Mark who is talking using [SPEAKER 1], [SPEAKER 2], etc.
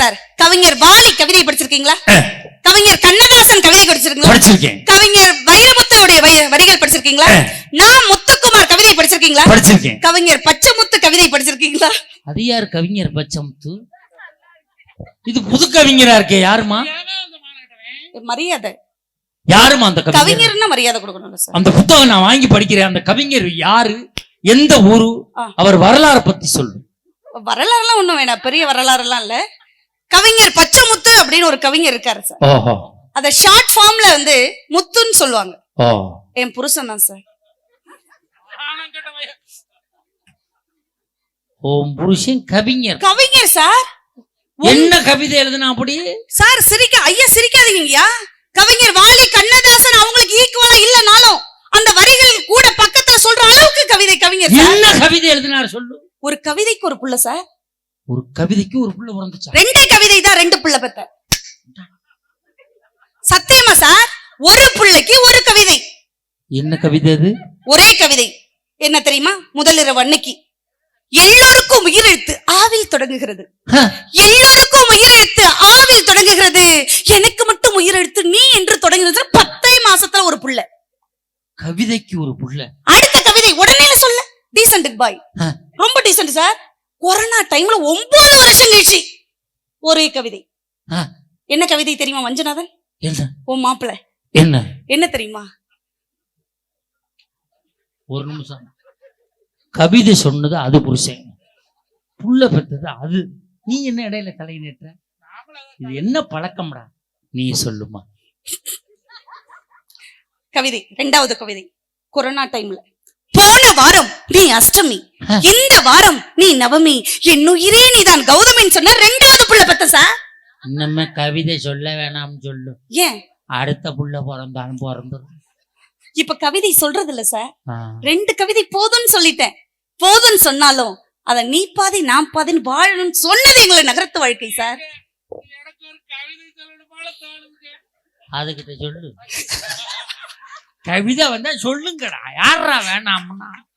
[SPEAKER 1] Sir, கவிஞர் வாலி கவிதை படிச்சிருக்கீங்களா? கவிஞர் கண்ணதாசன் கவிதை படிச்சிருக்கீங்களா?
[SPEAKER 2] படிச்சிருக்கேன்.
[SPEAKER 1] கவிஞர் வைரமுத்துடைய வரிகள் படிச்சிருக்கீங்களா? நான் முத்துக்குமார் கவிதை படிச்சிருக்கீங்களா?
[SPEAKER 2] படிச்சிருக்கேன்.
[SPEAKER 1] கவிஞர் பச்சைமுத்து கவிதை படிச்சிருக்கீங்களா?
[SPEAKER 3] அது யார் கவிஞர் பச்சைமுத்து? இது புது கவிஞரா இருக்கே, யாருமா?
[SPEAKER 1] மரியாதை.
[SPEAKER 3] யாருமா அந்த
[SPEAKER 1] கவிஞர்னா மரியாதை கொடுக்கணும் சார்.
[SPEAKER 3] அந்த புத்தகம் நான் வாங்கி படிக்கிறேன். அந்த கவிஞர் யாரு, எந்த ஊரு, அவர் வரலாறு பத்தி சொல்லு.
[SPEAKER 1] வரலாறுலாம் ஒண்ணும் வேணாம், பெரிய வரலாறு எல்லாம் இல்ல. கவிஞர் பச்சைமுத்து அப்படின்னு ஒரு கவிஞர் இருக்காரு சார்.
[SPEAKER 3] ஓஹோ.
[SPEAKER 1] அத ஷார்ட் ஃபார்ம்ல வந்து முத்துன்னு சொல்லுவாங்க.
[SPEAKER 3] ஓ,
[SPEAKER 1] என் புருஷன் தான் சார்.
[SPEAKER 3] ஓம் புருஷன் கவிஞர்.
[SPEAKER 1] கவிஞர் சார்.
[SPEAKER 3] என்ன கவிதை எழுதுனா அப்படி
[SPEAKER 1] சார்? சிரிக்காதீங்கய்யா. கவிஞர் வாலி கண்ணதாசன் அவங்களுக்கு ஈக்குவலா இல்லனாலும் அந்த வரிகள் கூட பக்கத்துல சொல்ற அளவுக்கு கவிதை கவிஞர்.
[SPEAKER 3] என்ன கவிதை எழுதினார் சொல்லு.
[SPEAKER 1] ஒரு கவிதைக்கு ஒரு புள்ள சார்.
[SPEAKER 3] ஒரு கவிதைக்கு ஒரு புள்ள பிறந்துச்சா?
[SPEAKER 1] ரெண்டே கவிதை தான், 2 புள்ள பெத்த. சத்தியமா சார், ஒரு புள்ளைக்கு ஒரு கவிதை.
[SPEAKER 3] என்ன கவிதை அது?
[SPEAKER 1] ஒரே கவிதை. என்ன தெரியுமா? முதலிரவு அன்னைக்கு எல்லோருக்கும் உயிரெழுத்து ஆவில் தொடங்குகிறது. எல்லோருக்கும் உயிரெழுத்து ஆவில் தொடங்குகிறது, எனக்கு மட்டும் உயிரெழுத்து நீ என்று தொடங்குகிறது. 10 மாசத்துல ஒரு புள்ள.
[SPEAKER 3] கவிதைக்கு ஒரு புள்ள.
[SPEAKER 1] அடுத்த கவிதை உடனே சொல்ல. டீசன்ட் பாய், ரொம்ப டீசன்ட் சார். கொரோனா டைம்ல 9 வருஷம் கழிச்சு ஒரே கவிதை. என்ன கவிதை தெரியுமா மஞ்சுநாதன்?
[SPEAKER 3] என்ன?
[SPEAKER 1] உன் மாப்பிள்ள என்ன தெரியுமா?
[SPEAKER 3] ஒரு நிமிஷம். கவிதை சொன்னது அது புருஷன், புள்ள பெற்றது அது. நீ என்ன இடையில தலை நேற்ற? இது என்ன பழக்கம்டா? நீ சொல்லுமா.
[SPEAKER 1] கவிதை, 2வது கவிதை. கொரோனா டைம்ல போன வாரம் நீ அஷ்டமி, இந்த வாரம் நீ நவமி, என் உயிரே நீதான் கௌதமின்னு சொன்ன 2வது புள்ள பெத்த சார்.
[SPEAKER 3] இன்னமே கவிதை சொல்ல வேணாம்னு சொல்லு.
[SPEAKER 1] ஏன்?
[SPEAKER 3] அடுத்த புள்ள பிறந்தாலும் பிறந்துடும்.
[SPEAKER 1] இப்ப கவிதை சொல்றது இல்ல சார். 2 கவிதை போதும்னு சொல்லிட்டேன். போதும்னு சொன்னாலும் அத நீ பாதி நான் பாதின்னு வாழணும்னு சொன்னது எங்களை நகரத்து வாழ்க்கை சார்.
[SPEAKER 3] அதுகிட்ட சொல்லு. கவிதை வந்தா சொல்லுங்கடா. யாரா வேணாம்னா